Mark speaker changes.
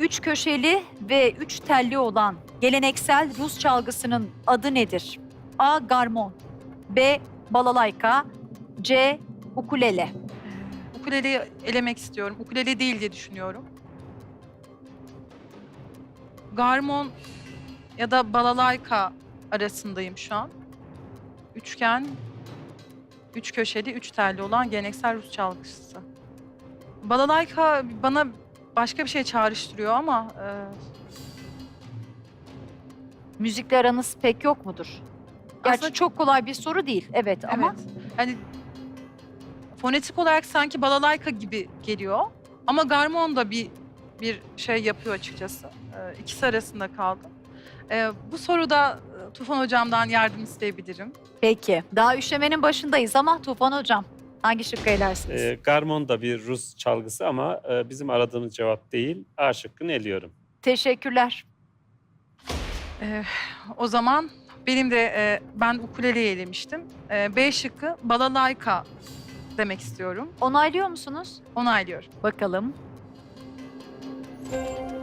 Speaker 1: Üç köşeli ve üç telli olan geleneksel Rus çalgısının adı nedir? A. Garmon, B. Balalayka, C. Ukulele.
Speaker 2: Ukuleleyi elemek istiyorum. Ukulele değil diye düşünüyorum. Garmon ya da balalayka arasındayım şu an. Üçgen, üç köşeli, üç telli olan geleneksel Rus çalgısı. Balalayka bana başka bir şey çağrıştırıyor ama
Speaker 1: Müzikle aranız pek yok mudur? Gerçi
Speaker 2: Aslında-
Speaker 1: çok kolay bir soru değil, evet ama
Speaker 2: evet. Hani fonetik olarak sanki balalayka gibi geliyor. Ama garmon da bir şey yapıyor açıkçası. İkisi arasında kaldım. Bu soruda Tufan Hocam'dan yardım isteyebilirim.
Speaker 1: peki. Daha üşemenin başındayız ama Tufan Hocam hangi şıkkı elersiniz?
Speaker 3: Garmon da bir Rus çalgısı ama bizim aradığımız cevap değil. A şıkkını eliyorum.
Speaker 1: Teşekkürler.
Speaker 2: O zaman benim de ben ukuleleyi elemiştim. B şıkkı balalayka demek istiyorum.
Speaker 1: Onaylıyor musunuz?
Speaker 2: Onaylıyorum.
Speaker 1: Bakalım.